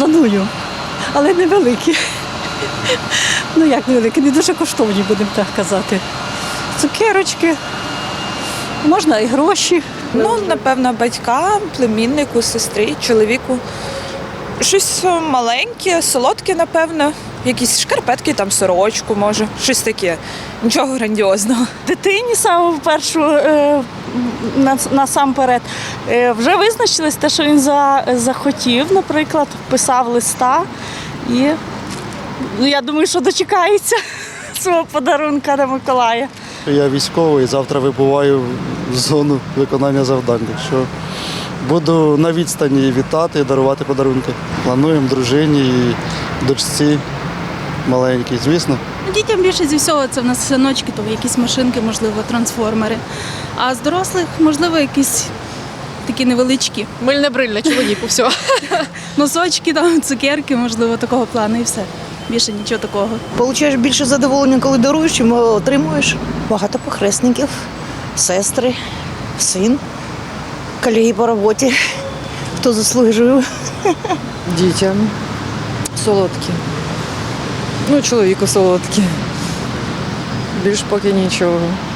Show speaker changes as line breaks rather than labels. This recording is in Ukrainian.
Планую, але невеликі. Ну як невеликі, не дуже коштовні, будемо так казати. Цукерочки, можна і гроші.
Ну, напевно, батькам, племіннику, сестрі, чоловіку. Щось маленьке, солодке, напевно. Якісь шкарпетки, там сорочку, може, щось таке. Нічого грандіозного.
Дитині саме в першу насамперед вже визначилось те, що він захотів, наприклад, писав листа і я думаю, що дочекається свого подарунка на Миколая.
Я військовий, завтра вибуваю в зону виконання завдань, так що буду на відстані вітати і дарувати подарунки. Плануємо дружині і дочці маленькій, звісно.
Дітям більше зі всього це в нас синочки, то якісь машинки, можливо, трансформери. А з дорослих, можливо, якісь такі невеличкі.
Мильне брильне чоловіку, все.
Носочки, там, цукерки, можливо, такого плану і все. Більше нічого такого.
Получаєш більше задоволення, коли даруєш, чим отримуєш. Багато похресників, сестри, син, колеги по роботі, хто заслужив.
Дітям солодкі. Ну, чоловіку солодкі. Більш поки нічого.